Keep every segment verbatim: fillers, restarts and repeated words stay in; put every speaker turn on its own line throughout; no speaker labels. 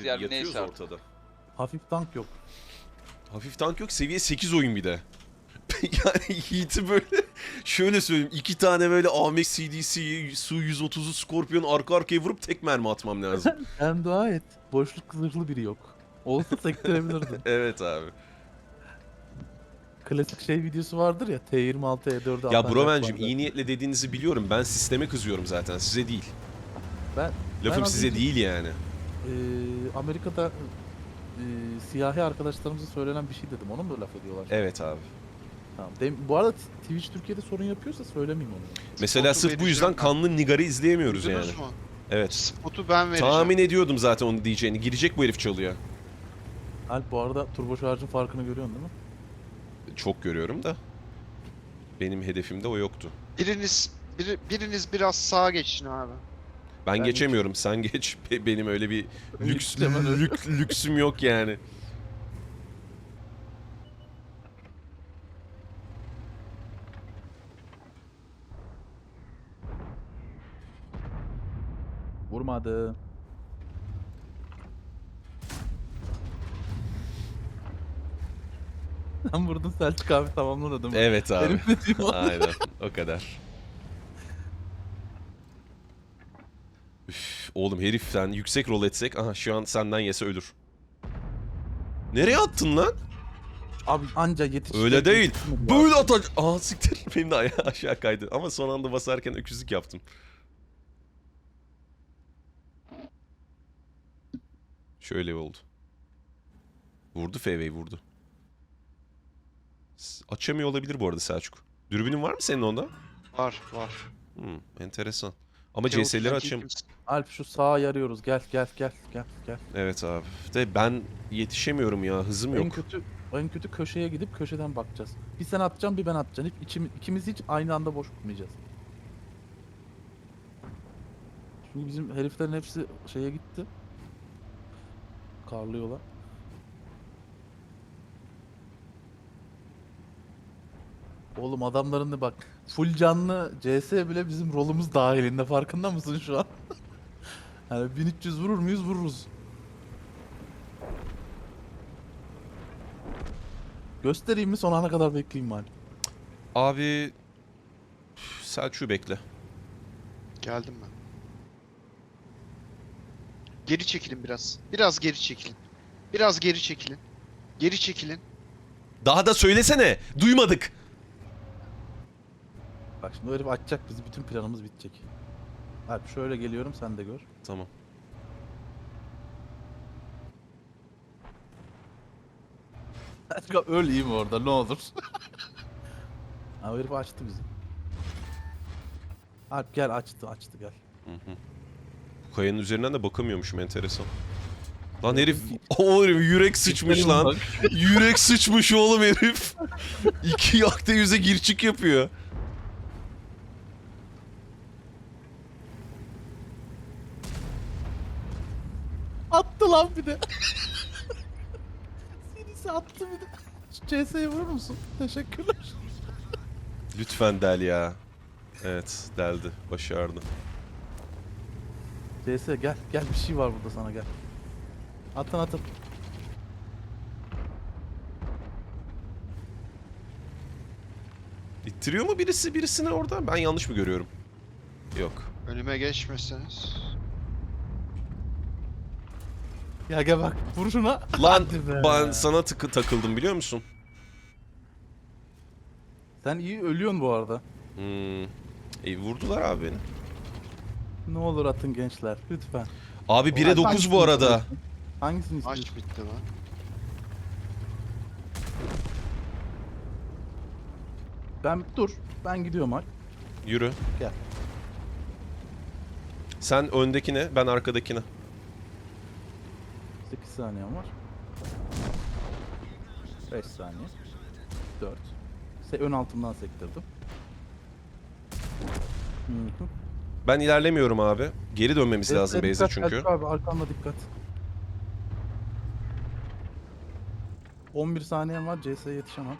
abi.
yer mi
Yatıyoruz
neyse artık.
ortada.
Hafif tank yok.
Hafif tank yok. Seviye sekiz oyun bir de. Yani Yiğit'i böyle şöyle söyleyeyim. iki tane böyle A M X C D C Su yüz otuzu Scorpion arka arkaya vurup tek mermi atmam lazım.
Sen dua et. Boşluk zırhlı biri yok. Olsa sektirebilirdin.
Evet abi.
Klasik şey videosu vardır ya. T yirmi altı E dört'e
Ya
atan
Brovencim
Jack vardı.
iyi niyetle dediğinizi biliyorum. Ben sisteme kızıyorum zaten. Size değil.
Ben,
Lafım
ben az
size
önce,
değil yani.
e, Amerika'da e, siyahi arkadaşlarımıza söylenen bir şey dedim. Onu mu laf ediyorlar?
Evet abi.
Tamam. Dem- bu arada Twitch Türkiye'de sorun yapıyorsa söylemeyeyim onu.
Mesela
Spotu
sırf bu yüzden
vereceğim ben.
kanlı Nigar'ı izleyemiyoruz
Duydunuz
yani.
mu?
Evet.
Spotu ben vereceğim.
Tahmin ediyordum zaten onu diyeceğini. Girecek bu herif çalıyor.
Alp bu arada turbo şarjın farkını görüyorsun değil mi?
Çok görüyorum da. Benim hedefimde o yoktu.
Biriniz biri, biriniz biraz sağa geçin abi.
Ben,
Ben
geçemiyorum. Sen geç. Be- Benim öyle bir lüks
Hemen öyle.
lük, lüksüm yok yani.
Vurmadı. Sen vurdun Selçuk abi tamamladı değil mi?
Evet abi.
Herif ne diyor?
Aynen. O kadar. Üf, oğlum herif sen yüksek rol etsek. Aha şu an senden yese ölür. Nereye attın lan?
Abi anca yetiş.
Öyle değil.
yetişmedi
Böyle
abi.
atacak. Aa siktir. Benim de ayağı aşağı kaydı. Ama son anda basarken öküzlük yaptım. Şöyle oldu. Vurdu F V'yi vurdu. S- Açamıyor olabilir bu arada Selçuk. Dürbünün var mı senin onda?
Var var.
Hmm, enteresan. Ama
Teotihuacan
C S'leri açam.
kimse-
Alp şu sağa yarıyoruz. Gel gel gel gel gel.
Evet abi. De ben yetişemiyorum ya. Hızım
En
yok.
kötü en kötü köşeye gidip köşeden bakacağız. Bir sen atacaksın bir ben atacağım. Hiç içimi, ikimiz hiç aynı anda boş tutmayacağız. Çünkü bizim heriflerin hepsi şeye gitti. Karlıyorlar. Oğlum adamların da bak full canlı C S bile bizim rolümüz dahilinde farkında mısın şu an? Yani bin üç yüz vurur muyuz vururuz. Göstereyim mi son ana kadar bekleyeyim mi?
Abi üf, Selçuk'u bekle.
Geldim ben. Geri çekilin biraz. Biraz geri çekilin. Biraz geri çekilin. Geri çekilin.
Daha da söylesene. Duymadık.
Bak şimdi o herif açacak bizi bütün planımız bitecek. Alp şöyle geliyorum sen de gör.
Tamam.
Başka öleyim orada ne olur. Ha o herif açtı bizi. Alp gel açtı açtı gel.
Bu kayanın üzerinden de bakamıyormuşum enteresan. Lan herif, o herif yürek sıçmış lan. Yürek sıçmış oğlum herif. İki yakta yüze gir çık yapıyor.
Attı lan bir de. Sinisi attı bir de. Şu C S'ye vurur musun? Teşekkürler.
Lütfen del ya. Evet deldi. Başardı.
C S gel gel bir şey var burada sana gel. Atın atın.
İttiriyor mu birisi birisini orada? Ben yanlış mı görüyorum? Yok.
Önüme geçmeseniz.
Ya gel bak vur şuna.
Lan
Hadi be.
ben sana tıkı takıldım biliyor musun?
Sen iyi ölüyorsun bu arada.
Hmm. E, vurdular abi beni.
Ne olur atın gençler lütfen.
Abi bire dokuz bu
Hangisini
arada.
istiyorsun? Hangisini
Maç
istiyorsun?
bitti lan.
Ben dur. Ben gidiyorum Alp.
Yürü.
Gel.
Sen öndekine, ben arkadakine.
sekiz saniyem var. beş saniye. dört. Se ön altımdan sektirdim. Hı hı.
Ben ilerlemiyorum abi. Geri dönmemiz
Evet,
lazım
evet,
base'e
dikkat,
çünkü.
Selçuk abi arkanda dikkat. on bir saniyem var. C S'ye yetişemem.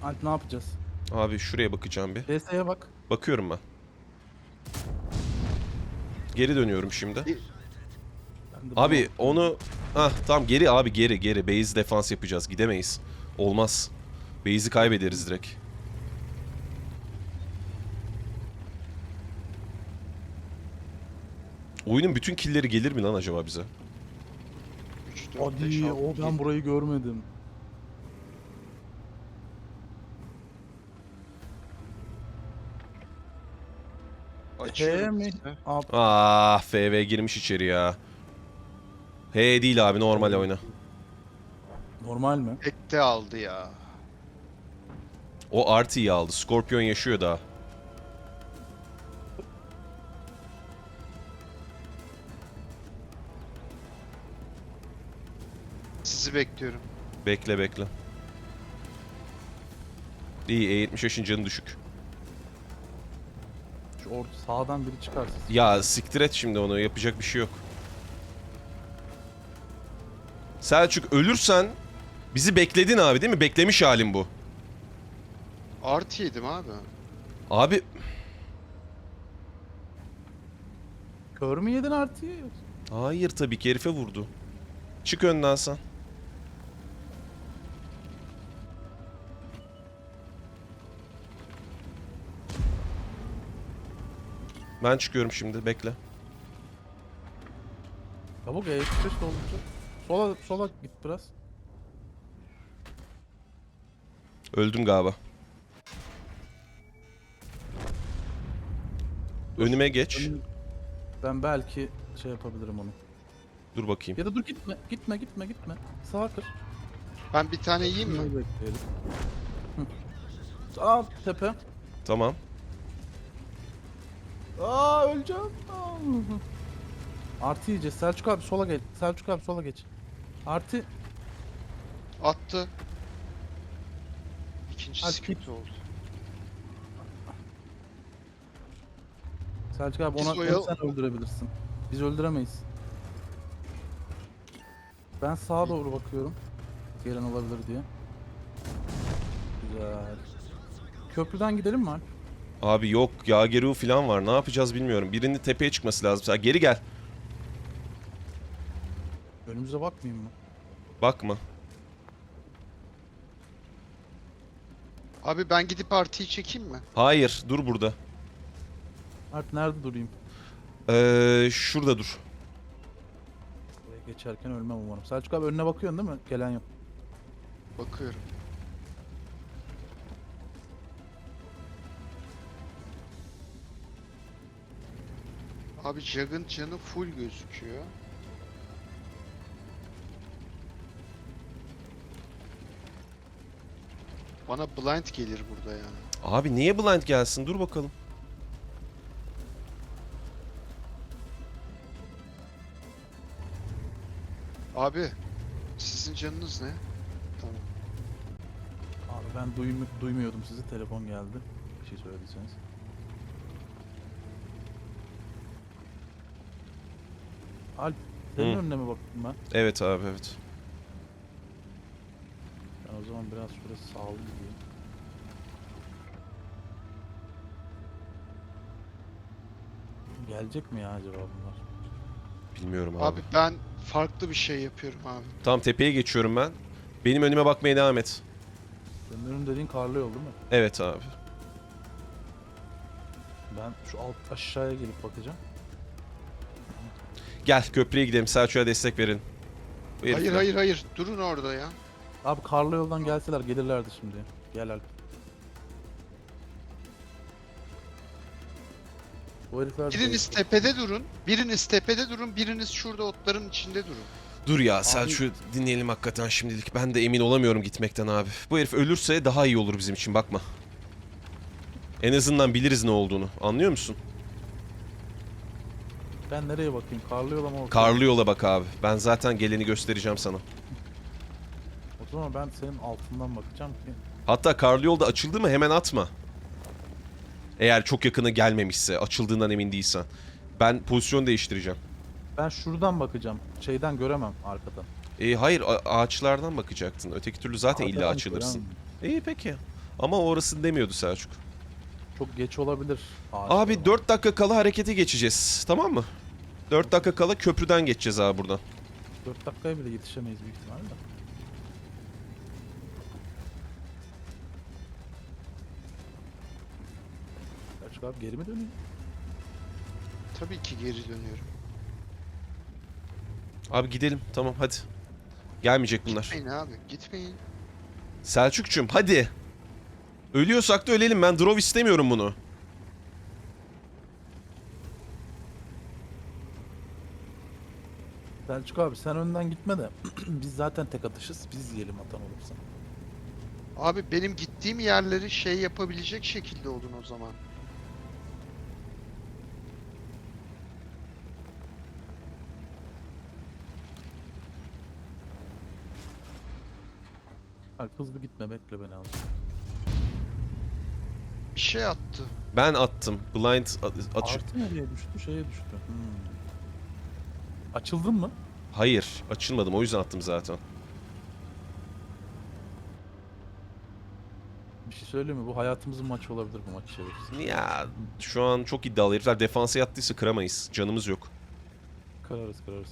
Alp ne yapacağız?
Abi şuraya bakacağım bir.
D S'ye bak.
Bakıyorum ben. Geri dönüyorum şimdi.
Ben de
Abi
bunu-
onu... Hah tamam geri abi geri geri. Base defans yapacağız. Gidemeyiz. Olmaz. Base'i kaybederiz direkt. Oyunun bütün killleri gelir mi lan acaba bize?
üç, dört, beş,
Hadi
altı,
o ben
yedi.
burayı görmedim.
Açıyorum
mi?
size.
Ab
Ah F V girmiş içeri ya. He değil abi normal oyna.
normal mi?
Tekte aldı ya.
O Artie'yi aldı. Scorpion yaşıyor daha.
Sizi bekliyorum.
Bekle bekle. İyi E yetmiş beşin canı düşük.
Şu orta sağdan biri çıkarsa.
Ya siktir et şimdi onu yapacak bir şey yok. Selçuk ölürsen bizi bekledin abi değil mi? Beklemiş halin bu.
Artı yedim abi.
Abi
Kör mü yedin artıyı?
hayır tabii ki herife vurdu. Çık önden sen. Ben çıkıyorum şimdi bekle.
Çabuk E yetmiş beş dolduracak. Sola sola git biraz.
Öldüm galiba. Önüme geç.
Önüm- Ben belki şey yapabilirim onu.
Dur bakayım.
Ya da dur gitme, gitme, gitme, gitme. Sağa kır.
Ben bir tane yiyeyim mi?
Bunu bekleyelim. Hı. Aa tepe.
Tamam.
Aa öleceğim. Aa. Artı yiyeceğiz. Selçuk abi sola geç. Selçuk abi sola geç. Artı.
Attı. İkinci
Hadi
sıkıntı oldu.
Selçuk abi
Biz
ona
oyal-
onu sen öldürebilirsin. Biz öldüremeyiz. Ben sağa doğru bakıyorum. Gelen olabilir diye. Güzel. Köprüden gidelim mi Alp?
Abi yok Yageru falan var. Ne yapacağız bilmiyorum. Birinin tepeye çıkması lazım. Sen geri gel.
Önümüze bakmayayım mı?
Bakma.
Abi ben gidip artıyı çekeyim mi?
Hayır dur burada.
Alp nerede durayım?
Ee, şurada dur.
Buraya geçerken ölmem umarım. Selçuk abi önüne bakıyorsun değil mi? Gelen yok.
Bakıyorum. Abi Jug'ın canı full gözüküyor. Bana blind gelir burada ya.
Abi niye blind gelsin? Dur bakalım.
Abi sizin canınız ne? Tamam.
Abi ben duymu duymuyordum sizi. Telefon geldi. Bir şey söylediyseniz. Alp senin
Hı.
önüne mi baktım ben?
Evet abi evet.
Ben o zaman biraz şurası sağlı gideyim. Gelecek mi ya acaba bunlar?
Bilmiyorum abi.
Abi ben farklı bir şey yapıyorum abi.
Tamam tepeye geçiyorum ben. Benim önüme bakmaya devam et.
Senin önün dediğin karlı yol değil mi?
Evet abi.
Ben şu alt aşağıya gelip bakacağım.
Gel köprüye gidelim. Selçuk'a destek verin. Bu
Hayır
herifler-
hayır hayır durun orada ya.
Abi karlı yoldan gelseler gelirlerdi şimdi. Gel Alp. Bu herifler de-
Biriniz tepede durun, biriniz tepede durun, biriniz şurada otların içinde durun.
Dur ya Selçuk'u dinleyelim hakikaten şimdilik. Ben de emin olamıyorum gitmekten abi. Bu herif ölürse daha iyi olur bizim için bakma. En azından biliriz ne olduğunu. Anlıyor musun?
Ben nereye bakayım? Karlı yola mı ortaya?
Karlı yola bak abi. Ben zaten geleni göstereceğim sana.
O zaman ben senin altından bakacağım ki.
Hatta karlı yolda açıldı mı hemen atma. Eğer çok yakına gelmemişse, açıldığından emin değilsen. Ben pozisyon değiştireceğim.
Ben şuradan bakacağım. Şeyden göremem arkadan.
E, hayır a- ağaçlardan bakacaktın. Öteki türlü zaten illa
Arkadan
açılırsın.
göremem.
İyi peki. Ama orası demiyordu Selçuk.
Çok geç olabilir.
Abi dört dakika kala harekete geçeceğiz. Tamam mı? dört dakika kala köprüden geçeceğiz abi buradan.
dört dakikaya bile yetişemeyiz büyük ihtimalle. Selçuk abi geri mi dönüyor?
Tabii ki geri dönüyorum.
Abi gidelim. Tamam hadi. Gelmeyecek bunlar.
Gitmeyin abi, gitmeyin.
Selçuk'cum hadi. Ölüyorsak da ölelim. Ben drop istemiyorum bunu.
Selçuk abi sen önden gitme de biz zaten tek atışız. Biz yiyelim atan olursa.
Abi benim gittiğim yerleri şey yapabilecek şekilde olun o zaman.
Bak hızlı gitme bekle beni abi.
Bir şey attı.
Ben attım. Blind a- açık.
Artı nereye düştü? Şeye düştü. Hmm. Açıldın mı?
Hayır. Açılmadım. O yüzden attım zaten.
Bir şey söyleyeyim mi? Bu hayatımızın maçı olabilir bu maç çevirisi.
Ya şu an çok iddialı herifler. Defansa yattıysa kıramayız. Canımız yok.
Kırarız kırarız.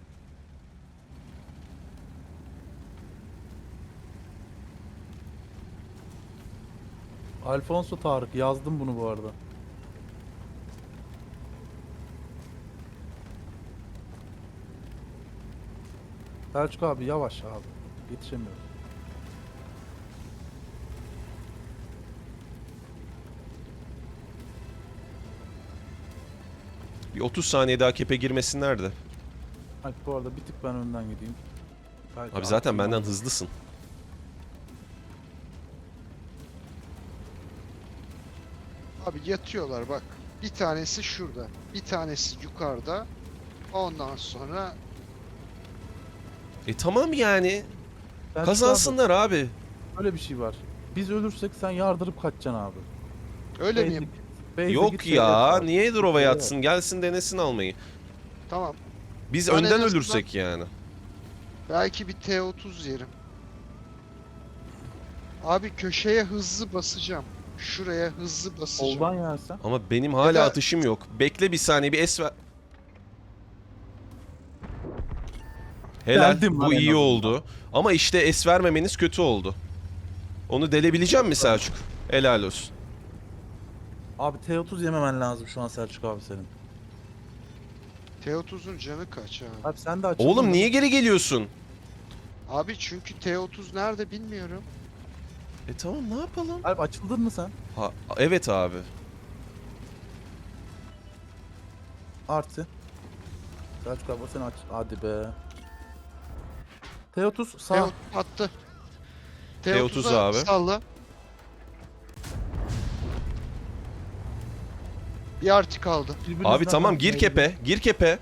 Alfonso Tarık yazdım bunu bu arada. Selçuk abi yavaş abi. Yetişemiyoruz.
Bir otuz saniye daha kepe girmesinler de.
Bak bu arada bir tık ben önden gideyim. Belki
Abi zaten
artı
benden
var.
hızlısın.
Abi yatıyorlar bak. Bir tanesi şurada. Bir tanesi yukarıda. Ondan sonra
E tamam yani.
Selçuk abi,
Kazansınlar abi.
öyle bir şey var. Biz ölürsek sen yardırıp kaçacaksın abi.
öyle
Base'e
miyim?
git- base'e
Yok
git,
ya.
seyret abi.
Niye Drova
Seyret.
yatsın? Gelsin denesin almayı.
Tamam.
Biz
Ben en
önden
azından-
ölürsek yani.
Belki bir T otuz yerim. Abi köşeye hızlı basacağım. Şuraya hızlı basacağım.
Soldan yersen.
Ama benim hala
da-
atışım yok. Bekle bir saniye bir es ver. Helal.
Geldim lan
Bu
en
iyi
azından.
oldu. Ama işte es vermemeniz kötü oldu. Onu delebileceğim mi Selçuk? Helal olsun.
Abi T otuz yememen lazım şu an Selçuk abi senin.
T otuzun canı kaç abi?
Abi sen de açıldın
Oğlum
mı?
niye geri geliyorsun?
Abi çünkü T otuz nerede bilmiyorum.
E tamam ne yapalım?
Abi açıldın mı sen?
Ha, evet abi.
Artı. Selçuk abi sen aç. Hadi be. T otuz sağ.
T otuz attı.
T otuz abi.
Salla. Bir artı kaldı.
Birbirinizden
Abi tamam
bak,
gir
neydi?
kepe. Gir kepe.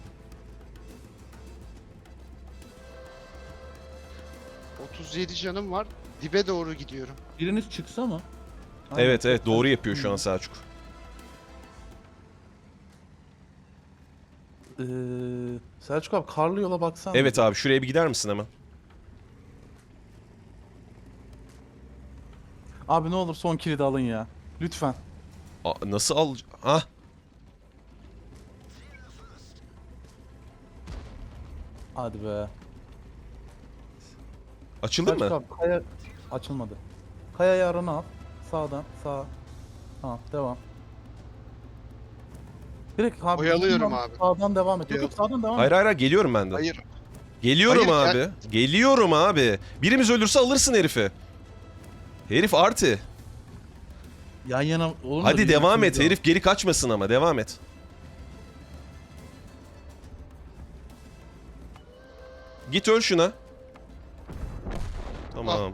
otuz yedi canım var. Dibe doğru gidiyorum.
Biriniz çıksa mı? Aynen,
Evet evet
çok
doğru
ben-
yapıyor şu an Selçuk.
Ee, Selçuk abi karlı yola baksan.
Evet abi şuraya bir gider misin hemen?
Abi ne olur son kilidi alın ya. Lütfen.
Aa, nasıl al... Ha?
Hadi be.
Açıldın
Selçuk
mı?
abi kaya açılmadı. Kayayı arana al. Sağdan sağa. Tamam devam. Direkt abi.
Oyalıyorum
sağdan-
abi.
Sağdan devam et. Yok yok sağdan devam
Hayır
et.
hayır hayır, geliyorum ben de.
Hayır.
Geliyorum
Hayır,
abi. Geliyorum abi. Birimiz ölürse alırsın herifi. Herif artı.
Yan yana olur mu?
Hadi
Bir
devam
ikimiz
et.
de-
Herif geri kaçmasın ama devam et. Git öl şuna. Tamam.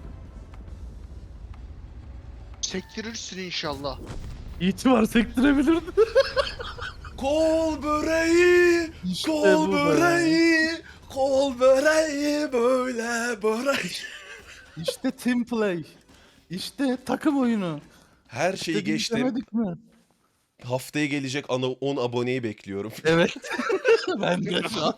Sektirirsin inşallah.
İtibar sektirebilirdi.
Kol böreği,
İşte
kol
bu be.
böreği, kol böreği böyle böreği.
İşte team play. İşte takım oyunu.
Her
İşte
şeyi
biz
geçtim.
demedik mi?
Haftaya gelecek ana on aboneyi bekliyorum.
Evet. Ben de şu an.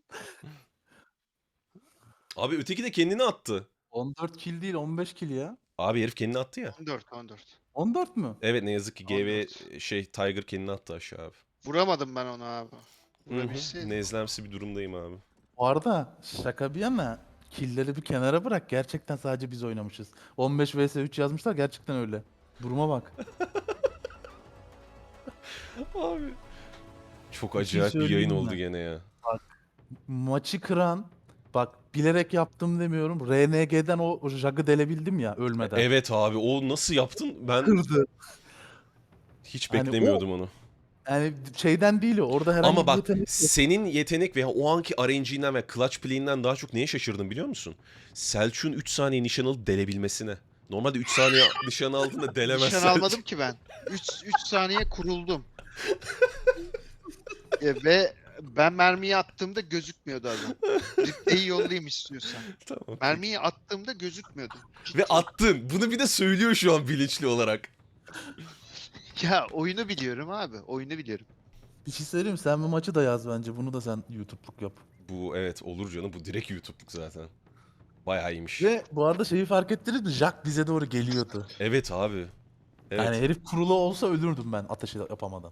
Abi öteki de kendini attı.
on dört kill değil on beş kill ya.
Abi herif kendini attı ya.
on dört on dört.
on dört mü?
Evet ne yazık ki G V
on dört.
şey Tiger kendini attı aşağı abi.
Vuramadım ben onu abi.
Hı hı.
Vurabilseydim.
Nezlemsi bir durumdayım abi.
Bu arada şaka bir yana killleri bir kenara bırak. Gerçekten sadece biz oynamışız. on beş vs üç yazmışlar, gerçekten öyle. Duruma bak.
Abi. Çok
Bir şey
acayip bir yayın
söyleyeyim
oldu
mi?
gene ya.
Maçı kıran, bak bilerek yaptım demiyorum. R N G'den o Jag'ı delebildim ya ölmeden.
Evet abi o nasıl yaptın? Ben
Kırdı.
hiç
Hani o-
beklemiyordum onu.
Yani şeyden değil o. Orada herhangi
Ama
bir
bak
yetenek yok.
senin yetenek veya o anki R N G'den ve clutch play'inden daha çok neye şaşırdım biliyor musun? Selçuk'un üç saniye nişan alıp delebilmesine. Normalde üç saniye nişan aldığında delemez
Nişan
Selçuk.
almadım ki ben. üç saniye kuruldum. E, ve ben mermiyi attığımda gözükmüyordu adam. Replay'i yollayayım istiyorsan.
Tamam.
Mermiyi attığımda gözükmüyordu.
Ve attın. Bunu bir de söylüyor şu an bilinçli olarak.
Ya oyunu biliyorum abi. Oyunu biliyorum.
Bir şey söyleyeyim mi? Sen bu maçı da yaz bence. Bunu da sen YouTube'luk yap.
Bu evet olur canım. Bu direkt YouTube'luk zaten. Bayağı iyiymiş.
Ve bu arada şeyi fark ettiniz mi? Jack bize doğru geliyordu.
Evet abi. Evet.
Yani herif kurulu olsa ölürdüm ben ateşi yapamadan.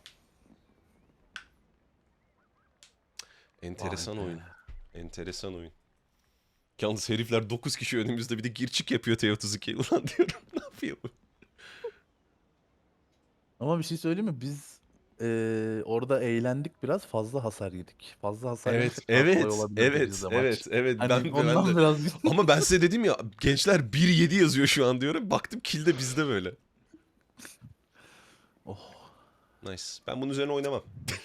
Enteresan
Vay be.
oyun. Enteresan oyun. Yalnız herifler dokuz kişi önümüzde bir de girçik yapıyor T otuz iki. Ulan diyorum ne yapıyor bu?
Ama bir şey söyleyeyim mi? Biz eee, orada eğlendik, biraz fazla hasar yedik. Fazla hasar
Evet,
yedik. Daha kolay
evet,
olabilirdi
evet,
bizde maç.
evet, evet.
Hani
Ben, ben
ondan
de...
biraz
Ama ben size dedim ya gençler bir yedi yazıyor şu an diyorum. Baktım kill de bizde böyle.
Oh.
Nice. Ben bunun üzerine oynamam.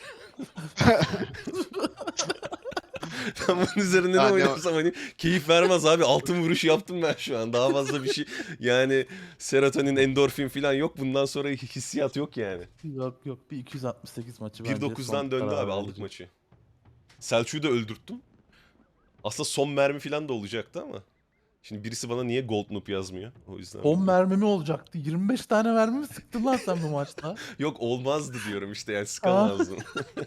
Ben bunun üzerine ne
Ha, ne-
oynarsam hani keyif vermez abi. Altın vuruşu yaptım ben şu an. Daha fazla bir şey yani serotonin, endorfin falan yok. Bundan sonra hissiyat yok yani.
Yok yok, bir iki yüz altmış sekiz maçı bence
bir dokuzdan
son
döndü
karar
abi aldık
verici.
maçı. Selçuk'u da öldürttüm. Aslında son mermi falan da olacaktı ama. Şimdi birisi bana niye Gold Noob yazmıyor? O yüzden.
on mermimi olacaktı. yirmi beş tane mermi mi sıktın lan sen bu maçta?
Yok olmazdı diyorum işte yani sıkamazdım.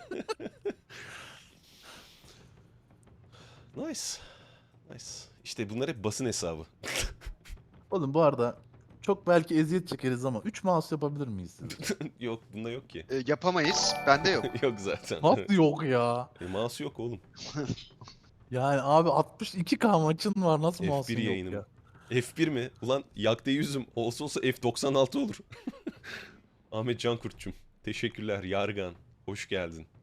Nice. Nice. İşte bunlar hep basın hesabı.
Oğlum bu arada çok belki eziyet çekeriz ama üç mouse yapabilir miyiz?
Yok bunda yok ki.
E, yapamayız. Bende yok.
Yok zaten.
Nasıl yok ya?
E, mouse yok oğlum.
Yani abi altmış iki K maçın var, nasıl
F
mouse'un
bir
yok
yayınım.
ya?
F bir mi? Ulan yakta yüzüm olsa olsa F doksan altı olur. Ahmet Cankurt'cum. Teşekkürler Yargan. Hoş geldin.